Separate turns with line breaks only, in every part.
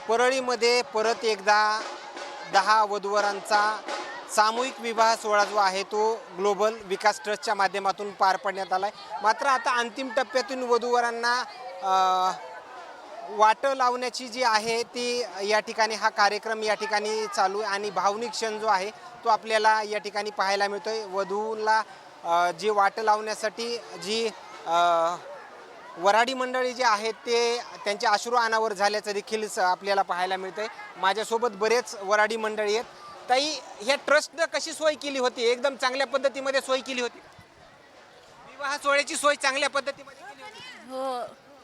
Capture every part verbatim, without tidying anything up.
परळीमध्ये परत एकदा दहा वधूवरांचा सामूहिक विवाह सोहळा जो आहे तो ग्लोबल विकास ट्रस्टच्या माध्यमातून पार पाडण्यात आला आहे। मात्र आता अंतिम टप्प्यातून वधूवरांना वाटं लावण्याची जी आहे ती या ठिकाणी हा कार्यक्रम या ठिकाणी चालू आहे आणि भावनिक क्षण जो आहे तो आपल्याला या ठिकाणी पाहायला मिळतोय। वधूला जी वाटं लावण्यासाठी जी वऱ्हाडी मंडळी जे आहेत ते त्यांचे अश्रू अनावर झाल्याचं देखील आपल्याला पाहायला मिळतंय। माझ्यासोबत बरेच वऱ्हाडी मंडळी आहेत। ताई, ह्या ट्रस्टनं कशी सोय केली होती? एकदम चांगल्या पद्धतीमध्ये सोय केली होती? विवाह सोहळ्याची सोय चांगल्या पद्धतीमध्ये केली होती?
हो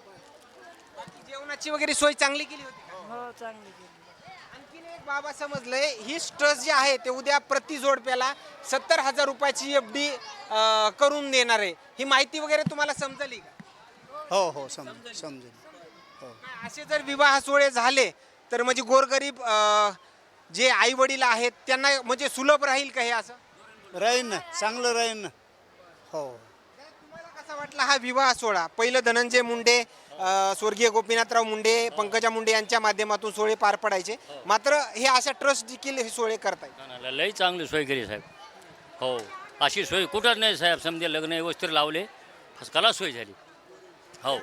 बाकी जेवणाची वगैरे सोय चांगली केली होती?
हो चांगली केली।
आणखीन एक बाबा समजलंय, ही ट्रस्ट जे आहे ते उद्या प्रति जोडप्याला सत्तर हजार रुपयाची एफ डी करून देणार आहे। ही माहिती वगैरे तुम्हाला समजली का?
हो हो समज समजेल हो।
असे जर विवाह सोहळे झाले तर म्हणजे गोरगरीब जे आई वडील आहेत त्यांना म्हणजे सुलभ राहील का हे? असं
राहीन ना, चांगलं राहीन ना। हो
तुम्हाला कसा वाटला हा विवाह सोहळा? पहिलं धनंजय मुंडे, स्वर्गीय गोपीनाथराव मुंडे, पंकजा मुंडे यांच्या माध्यमातून सोहळे पार पडायचे, मात्र हे अशा ट्रस्ट देखील हे सोहळे करतायत।
लई चांगली सोय केली साहेब। हो, अशी सोय कुठंच नाही साहेब। समजे लग्न व्यवस्थित लावले, कला सोय झाली। हो,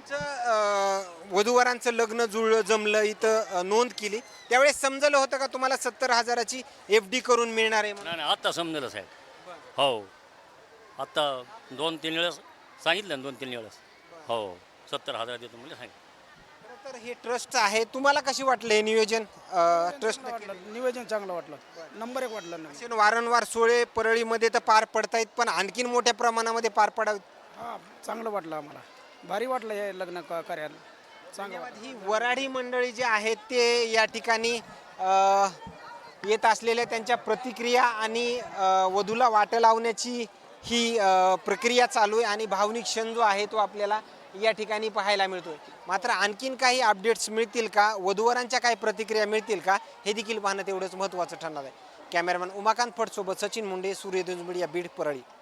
तुमचं वधूवरांचं लग्न जुळलं जमलं इथं नोंद केली त्यावेळेस समजलं होतं का तुम्हाला सत्तर हजाराची एफ डी करून मिळणार आहे?
नाही नाही, आत्ता समजलं साहेब। हो, आत्ता दोन तीन वेळेस सांगितलं ना, दोन तीन वेळेस हो सत्तर हजार देतो म्हणजे सांगितलं।
तर हे ट्रस्ट आहे, तुम्हाला कशी वाटलं हे नियोजन? ट्रस्ट
नियोजन चांगलं वाटलं, नंबर एक वाटलं ना।
वारंवार सोहळे परळीमध्ये तर पार पडतायत, पण आणखीन मोठ्या प्रमाणामध्ये पार पडावेत।
हां, चांगलं वाटलं आम्हाला, भारी वाटलं हे लग्न क- कार्याला चांगलं वाटलं।
ही वऱ्हाडी मंडळी जे आहेत ते या ठिकाणी येत असलेल्या त्यांच्या प्रतिक्रिया आणि वधूला वाटं लावण्याची ही प्रक्रिया चालू आहे आणि भावनिक क्षण जो आहे तो आपल्याला या ठिकाणी पाहायला मिळतोय। मात्र आणखीन काही अपडेट्स मिळतील का, वधूवरांच्या काही प्रतिक्रिया मिळतील का, हे देखील पाहणं तेवढंच महत्त्वाचं ठरणार आहे। कॅमेरामॅन उमाकांत फड सोबत सचिन मुंडे, सूर्यदुज मीडिया, बीड, परळी।